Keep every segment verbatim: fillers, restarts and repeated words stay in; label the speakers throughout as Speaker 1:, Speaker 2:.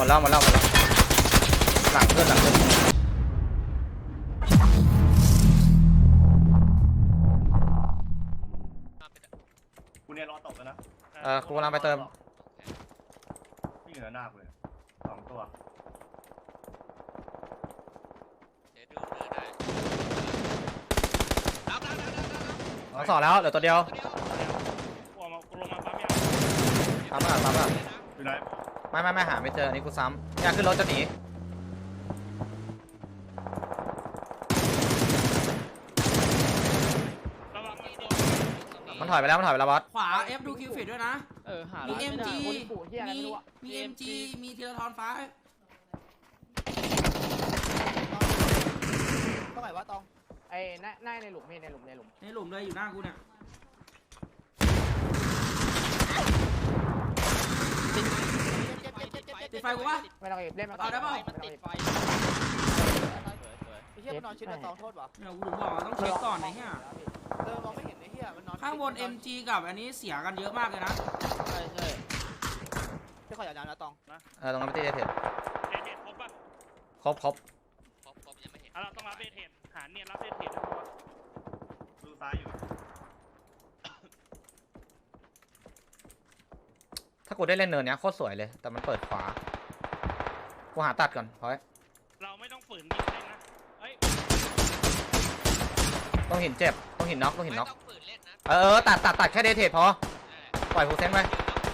Speaker 1: แล้วหมดแล้วหมดแล้วหลังเพื่อนหลังเพื่อน
Speaker 2: กูเนี่ยรอตกแล้วนะ
Speaker 1: เออกูกำลังไปเติม
Speaker 2: นี่เหนือหน้าเลยสองตัว
Speaker 3: เดี๋ยวดูเนื้อได้รับรับรับรับรับ
Speaker 1: สองสองแล้วเหลือตัวเดียว
Speaker 3: ตัวเดียว
Speaker 4: กูมากูลงมาปั๊มยา
Speaker 1: ทำอ่ะทำอ่ะ
Speaker 2: อยู่ไหน
Speaker 1: ไม่ไม่ไม่หาไม่เจออันนี้กูซ้ำอยากขึ้นรถจะหนี
Speaker 4: ระวังมันโดน
Speaker 1: มันถอยไปแล้วมันถอยไปแล้วบอส
Speaker 5: ขวา F ดูคิวฟิตด้วยนะ
Speaker 6: เออหา
Speaker 5: มี
Speaker 6: ร้าน
Speaker 5: เอ็ม
Speaker 6: ไม่ได้
Speaker 5: จี
Speaker 6: คนปู่เฮียอะไร
Speaker 5: มี
Speaker 6: ไม่รู้อะ
Speaker 5: มี เอ็มจี มีธีรทรฟ้า
Speaker 6: ต้องไหนวะตองไอ้หน้าหน้าในหลุมนี่ในหลุมในหลุม
Speaker 5: ในหลุมเลยอยู่หน้ากูเนี่ยติดไฟกูปะ
Speaker 6: ไม่ต้องเล่นมาก่อน
Speaker 5: เอาได้เปล่า
Speaker 6: มันติดไฟไอ้เฮียมันนอนชิดมันตองโทษวะ
Speaker 5: เนี่ยกูถึงบอกว่าต้องเช็คก่อนไอ้เหี้ย
Speaker 6: เออมองไม่เห็นไอ้เฮียมันนอน
Speaker 5: ข้างบน เอ็มจี กับอันนี้เสียกันเยอะมากเลยนะ
Speaker 6: ใช่ใช่ที่ขออย่าดาวนะตอง
Speaker 1: เออตรงนั้นไม่ตีเทส
Speaker 4: เดทเทรดครบป่ะ
Speaker 1: ครบครบ
Speaker 3: ครบครบยังไม่เห็น
Speaker 4: อ่ะเราต้องรับเดทเทรดหาเนี่ยรับเดทเทรดนะ
Speaker 2: ดูซ้ายอยู่
Speaker 1: ถ้ากูได้เล่นเนินเนี้ยโคตรสวยเลยแต่มันเปิดขวากูหาตัดก่อนพอย
Speaker 4: เราไม่ต้องฝืนยิงเลยนะเฮ้ย
Speaker 1: ต้องหินเจ็บต้องหินน็อกต้องหิน
Speaker 3: ไม่
Speaker 1: น็อก
Speaker 3: ต้องฝืนเล่นนะ
Speaker 1: เออตัดตัดตัดแค่เดทเทสพอปล่อยฟูเซนไป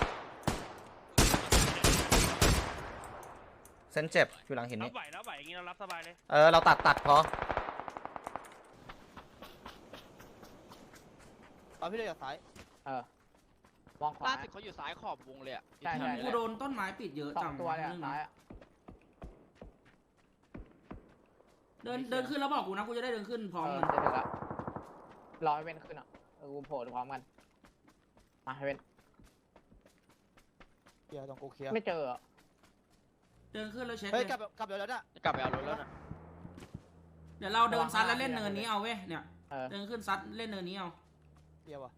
Speaker 1: เซนเจ็บอยู่หลังหิน
Speaker 4: รับ
Speaker 1: นี่
Speaker 4: ไหวรับไหวอย่างงี้เรารับสบายเลย
Speaker 1: เออเราตัดตัดพอ
Speaker 6: ตอนพี่เลยจากซ้ายเออมองขวา
Speaker 7: ล่าสุดเขาอยู่ซ้ายขอบวงเลยอ่ะ
Speaker 6: ใช่ใช่
Speaker 5: กูโดนต้นไม้ปิดเยอะ
Speaker 6: สอ
Speaker 5: จั
Speaker 6: ง
Speaker 5: ง
Speaker 6: ตัวเลยอะ
Speaker 5: นึง
Speaker 6: ซ้ายอะ
Speaker 5: เดินเดินขึ้นแล้วบอกกูนะกูจะได้เดินขึ้นพร้อม
Speaker 6: เออ
Speaker 5: มัน
Speaker 6: จะถึงละรอให้เว้นขึ้นอ่ะเออกูโผล่พร้อมกันมาให้เว้นเคลียร์ตรงกูเคลียร์ไม่เจอ
Speaker 5: เดินขึ้นแล้วเช็ค
Speaker 6: เฮ้ย
Speaker 5: เลย
Speaker 6: กลับกลับเดี๋ยวแล้วน่ะ
Speaker 7: จะกลับไปเอารถแล้วนะ
Speaker 5: เดี๋ยวเราเดินซัดแล้วเล่นเนินนี้เอาเว้ยเนี่ย
Speaker 6: เออ
Speaker 5: เดินขึ้นซัดเล่นเนินนี้เอา
Speaker 6: เคลียร์ว่ะ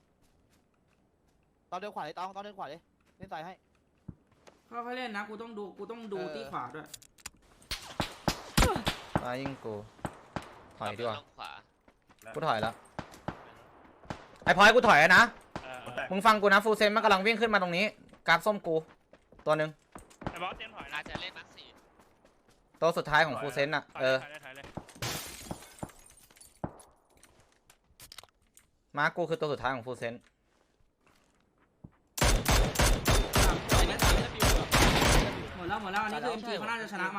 Speaker 6: ตอนเดินขวาเลยตอนตอนเดินขวาเลยเล่นซ้ายให้
Speaker 5: ค่อยๆเล่นนะกูต้องดูกูต้องดู
Speaker 6: เออ
Speaker 5: ที่ขวาด้วย
Speaker 1: มายิงกูถอยดีกว่า
Speaker 3: ลงขวา
Speaker 1: กูถอยแล้วไอ้พอยกูถอยแล้วนะ
Speaker 4: เออ
Speaker 2: แตก
Speaker 1: มึงฟังกูนะฟูเซนมันกำลังวิ่งขึ้นมาตรงนี้กราฟส้มกูตัวหนึ่ง
Speaker 4: ไอ้บอสเตรียมถอย
Speaker 3: น่า
Speaker 4: นะ
Speaker 3: จะเล่นมาร์คสี่
Speaker 1: ตัวสุดท้ายของฟูเซนอ่ะ
Speaker 4: ถอย
Speaker 1: เอ
Speaker 4: เล
Speaker 1: อย
Speaker 4: ถอยเลยถอยเลย
Speaker 1: มาร์คกูคือตัวสุดท้ายของฟูเซน
Speaker 7: ไอ้นี่ตามที่บิวอะ
Speaker 5: หมดแล้วหมดแล้วอันนี้คือ เอ็ม จี เขาน่าจะชนะมา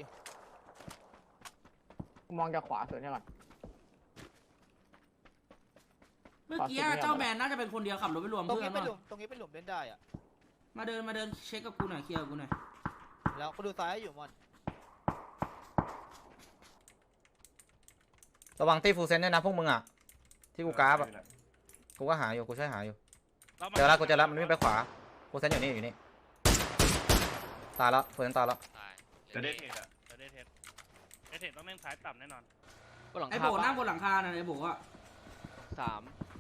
Speaker 6: มองจากขวาสุดใช่ก่อน
Speaker 5: เมื่อกี้เจ้าแมนน่าจะเป็นคนเดียวขับรถไปรวม
Speaker 6: ตรง
Speaker 5: เพื่อ
Speaker 6: นี้
Speaker 5: น
Speaker 6: เป็นหลุ
Speaker 5: ว่ะ
Speaker 6: มตรงนี้เป็นหลุมเล่นได้อ่ะ
Speaker 5: มาเดินมาเดินเช็คกับกูหน่อยเคลียร์กับกูหน่อย
Speaker 6: แล้วก็ดูซ้ายอยู่มอน
Speaker 1: ระวังตีฟูเซนด้วยนะพวกมึงอ่ะที่กูกราฟอ่ะกูก็หาอยู่กูช่วยหาอยู่เจอแล้วกูเจอแล้วมันวิ่งไปขวาฟูเซนอยู่นี่อยู่นี่ตายแล้วฟูเซนตายแล้ว
Speaker 3: ตาย
Speaker 2: จะได้เทรดอ่ะ
Speaker 4: เดทเทรดเดทเทรดต้องเล่นซ้ายต่ำแน่นอน
Speaker 7: บนหลัง
Speaker 5: ไอ้
Speaker 7: คา
Speaker 5: โบนั่งบ
Speaker 7: บ้าน
Speaker 5: หลังคาน่ะไอ้โบอ่ะ
Speaker 7: สาม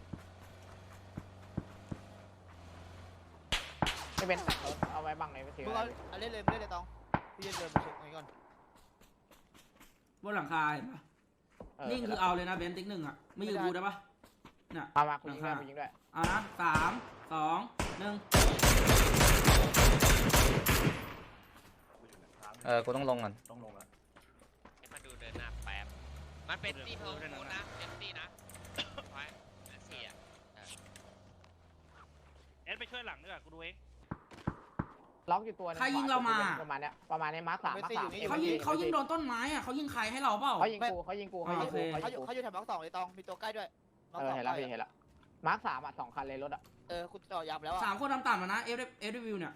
Speaker 6: ไม่เป็นแต่เอาไว้บังในมือถือมึงเอาเอาเล่นเลยเล่นเลยตองพี่จะเดินไปเช็คตรงนี้ก่อน
Speaker 5: บนหลังคาเห็นปะนิ่งคือเอาเลยนะเบนติ๊กหนึ่งอ่ะไม่อยู่กูได้ปะเนี่ย
Speaker 6: มามาคุณยิงด้วยคุณยิงด้วย
Speaker 5: เอานะสามสองหนึ่ง
Speaker 1: เออกูต้องลงก่อน
Speaker 2: ต้องลงแล้ว
Speaker 3: ให้มาดูเดินหน้าแป๊บมันเป็นตีโทนโทนนะเป็นตีนะไว้มาร์คสี่อ่ะ
Speaker 4: เอสไปช่วยหลังด้วยกูดูเอง
Speaker 6: ล็อกอยู่ตัวประมาณเนี้ยประมาณนี้มาร์คสามมาร์คสาม
Speaker 5: เขายิงเขายิงโดนต้นไม้อ่ะเขายิงใครให้เราเปล่า
Speaker 6: เขายิงกูเขายิงกูเขายิงกูเขาอยู่เขาอยู่แถวมาร์คสองเลยตองมีตัวใกล้ด้วยเออเห็นแล้วพี่เห็นแล้วมาร์คสามอ่ะสองคันเลยรถอ่ะเออคุณต่อยำแล้วอ่ะ
Speaker 5: สามคนต่ำๆนะเอฟเอฟรีวิวเนี่ย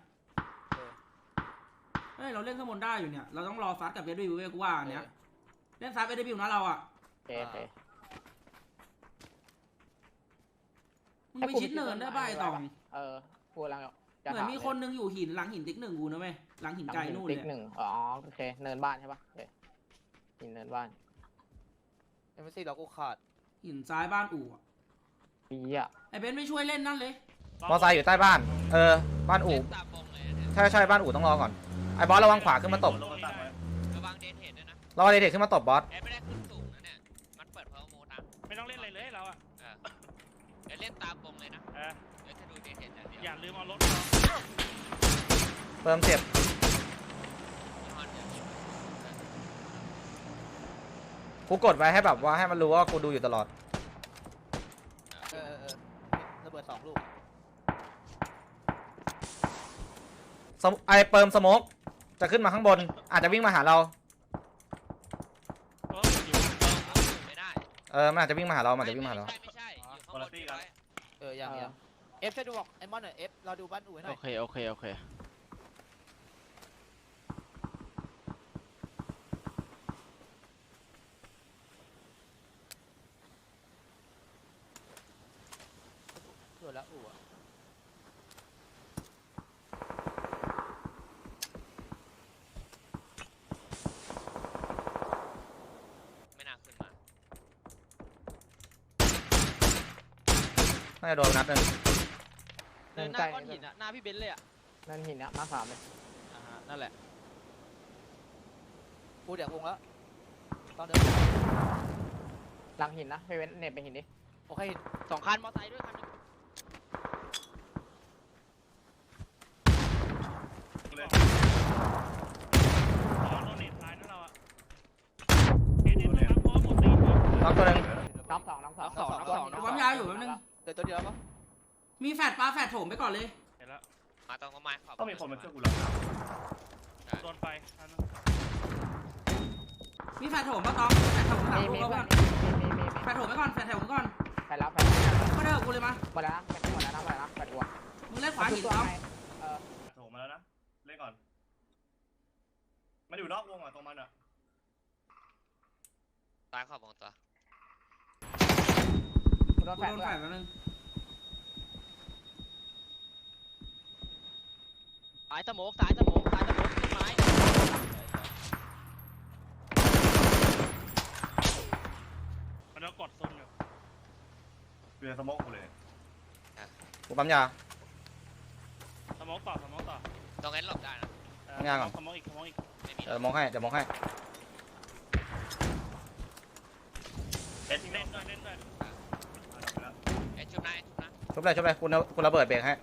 Speaker 5: เฮ้ยเราเล่นข้างบนได้อยู่เนี่ยเราต้องรอซัดกับเอฟรีวิวกูว่าเนี้ยเล่นซัดเอฟรีวิวนะเราอ่ะ
Speaker 6: โอเคโอเค
Speaker 5: มึงไปชิดเนินได้ป่ะไอ้ตอง
Speaker 6: เออพูดแล้ว
Speaker 5: เหมือนมีคนนึงอยู่หินหลังหินติ๊กหนึ่งกูนะเว้ยหลังหินไกลนู่นเลย
Speaker 6: ติ๊กหนึ่งอ๋อโอเคเนินบ้านใช่ปะโอเคหินเนินบ้านเอ็มซีเรากูขาด
Speaker 5: หินซ้ายบ้านอู่อะ
Speaker 6: ปีอ่ะ
Speaker 5: ไอ้เบนซ์ไม่ช่วยเล่นนั่นเลย
Speaker 1: มอไซค์อยู่ใต้บ้านเออบ้านอู่
Speaker 3: เล่นตามวงเลยนะ
Speaker 1: ใช่ใช่บ้านอู่ต้องรอก่อน
Speaker 6: เ
Speaker 1: ไอ้บอสระวังขวาขึ้นมาตบ
Speaker 2: ลงมาตั้งไว้
Speaker 3: ระวังเดนเทนด้วยนะ
Speaker 1: ระวังเดทขึ้นมาตบบอส
Speaker 3: แอดไม่ได้ขึ้นสูงนะเนี่ยมันเปิดเพอร์โมนะ
Speaker 4: ไม่ต้องเล่นอะไรเลยเราอะ
Speaker 3: เออเดี๋ยวเล่นตามวงเลยนะ
Speaker 4: เออ
Speaker 3: เดี๋ยวจะดูเดนเทนอย่างเดียว
Speaker 4: อย่าลืมเอารถ
Speaker 1: เติมเจ็บ
Speaker 3: ยี่ห้อเดียว
Speaker 1: กูกดไว้ให้แบบว่าให้มันรู้ว่ากูดูอยู่ตลอด
Speaker 6: เออเออเออระเบิดสองลูก
Speaker 1: สมไอเปิมสโมกจะขึ้นมาข้างบน อาจจะวิ่งมาหาเรา
Speaker 4: เอออยู่
Speaker 3: เอออยู่ไม่ได้
Speaker 1: เออมันอาจจะวิ่งมาหาเรามันอาจจะวิ่งมาหาเรา
Speaker 3: ไม่ใช่ไม่ใช่อยู่ข้างบนพี่ไว้
Speaker 6: เอออย่างเดียวเอฟช่วยดูบอกไอ้มอนหน่อยเอฟเราดูบ้านอู่ให้หน่
Speaker 7: โอ
Speaker 6: อย
Speaker 7: เคโอเคโอเค
Speaker 6: เผื่อแล้วอู่อะ
Speaker 3: ไม่น่าขึ้นมา
Speaker 1: น่าจะโดนนัดหนึ่ง
Speaker 7: เดินหน้าก้อนหินอะหน้าพี่เบนซ์เลยอะ
Speaker 8: นั่นหินนะมาสามเลย
Speaker 7: อ่าฮะนั่นแหละ
Speaker 6: กูเดี๋ยววงแล้วตอนเดิน
Speaker 8: หลังหินนะไปเว้นเน็ตไปหินดิ
Speaker 6: โอเค
Speaker 7: สองคันมอไซค์ด้วยคันหนึง
Speaker 2: เลย
Speaker 4: ระวังโดนเน็ตซ้ายนะเราอะเอ็นเอ็นต้องรับเพราะว่าหมดตีนด้วย
Speaker 1: น็อกตัวหนึ่ง
Speaker 8: น็อกสองน็อกสอง
Speaker 7: น็อกสองน็อกสองน็อกส
Speaker 5: ปั๊
Speaker 7: อ
Speaker 5: ม
Speaker 7: ง
Speaker 5: ยาอยู่แป๊บนึง
Speaker 6: เดี๋ยวตัวเดียวปะ
Speaker 5: มีแฟดปลาแฟดโถมไปก่อนเลย
Speaker 4: เห็นแล้ว
Speaker 3: มาตรงต้นไม้ขอบ
Speaker 2: ต้องมีคนมาช่วยกูแล้ว
Speaker 4: โดนไฟอันนั้น
Speaker 5: มีแฟดโถมปะตองแฟดโถมสาม
Speaker 8: มี
Speaker 5: ลู
Speaker 8: มี
Speaker 5: ก
Speaker 8: เพื่
Speaker 5: ก่
Speaker 8: อ
Speaker 5: อน น
Speaker 8: มีมีมี
Speaker 5: แฟดโถมไปก่อนแฟดโถมไปก่อน
Speaker 8: ไปแล้วไปแล้ว
Speaker 5: ก็เด้อกูเลยมา
Speaker 8: หมดแล้วนะไปหมดแล้วนะหมดแล้วนะไปดูอ่ะ
Speaker 5: มึงเล่นขวาหิน
Speaker 8: ตัว
Speaker 5: เอา
Speaker 8: ไงเออ
Speaker 2: โถมาแล้วนะเล่นก่อนมันอยู่นอกวงอ่ะตรงมันอ่ะ
Speaker 3: ซ้ายขอบวงตัว
Speaker 8: กูโดน
Speaker 5: กู
Speaker 8: แฟน
Speaker 5: โดน
Speaker 8: ด้ว
Speaker 5: แฟ
Speaker 8: ย
Speaker 5: ดแป๊บนึง
Speaker 7: สายสโมกสายสโมกสายสโมกต้นไม้
Speaker 4: มันจะกดโซนอยู่
Speaker 2: เรือสโมกกูเลย
Speaker 1: กูปั๊มยา
Speaker 4: สมองต่อสมองต่อ
Speaker 3: ตรงนั้นหลบได้นะ
Speaker 4: เออ
Speaker 1: ข้างล่างก่อน
Speaker 4: สมองอีกสมองอีก
Speaker 3: ไม่มี
Speaker 1: เดี๋ยวมองให้เดี๋ยวมองให้
Speaker 2: เอ็ดทิ้ง
Speaker 4: เล่
Speaker 2: เล่
Speaker 4: น
Speaker 2: น
Speaker 4: ด้วยเล่นด้วย
Speaker 3: ไอ้ชุบนะไอ้ชุบนะ
Speaker 1: ชุบเลยชุบเลยคุณคุณระเบิดเบรกให้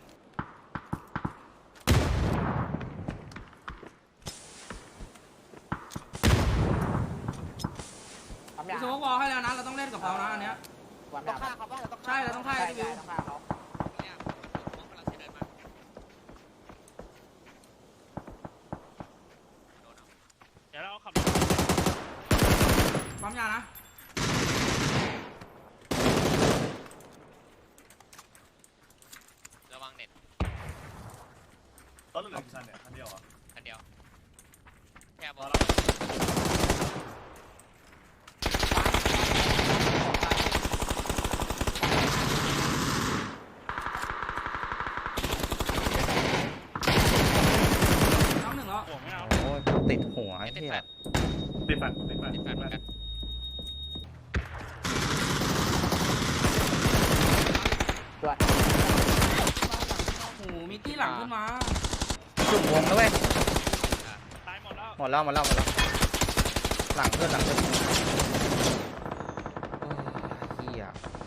Speaker 8: ปั๊ม
Speaker 5: กู
Speaker 8: ยา
Speaker 5: สโมกวอลให้แล้วนะเราต้องเล่นกับเขานะอันเนี้ย
Speaker 8: ปั๊ม
Speaker 6: ต้อย
Speaker 8: าง
Speaker 6: ฆ่าเขาปะเราต้อง
Speaker 5: ใช่เราต้องฆ่า
Speaker 8: ใช่ใช่ต้องฆ่าเขา
Speaker 3: เนี่ยมันถูกมองกำลังจะเดินมาโดนเอา
Speaker 4: เดี๋ยวเราเอาขับรถ
Speaker 5: ปั๊มยานะ
Speaker 3: ระวังเน็ต
Speaker 2: รถเหลือกี่คันเนี่ยคันเดียวอ่ะ
Speaker 3: คันเดียวแค่บ
Speaker 2: ร
Speaker 3: อ
Speaker 2: อ
Speaker 3: ล
Speaker 2: แล้ว
Speaker 5: น้องหนึ่งแล้ว
Speaker 4: ห่วงไม่เอา
Speaker 1: โอ้ยติดหัวไอ้
Speaker 3: ติด
Speaker 1: เหี้
Speaker 3: แฟ
Speaker 1: ย
Speaker 3: ด
Speaker 2: ติดแฟนติดแฟน
Speaker 3: ติดแฟดเหมือนกัน
Speaker 8: ตัว
Speaker 5: โอ้โหมีตี้หลังขึ้นมา
Speaker 1: จุ่มวงแล้วเว้ย
Speaker 4: ตายหมดแล้ว
Speaker 1: หมดแล้วหมดแล้วหมดแล้วหลังเพื่อนหลังเพื่อนโอ้ยเหี้ย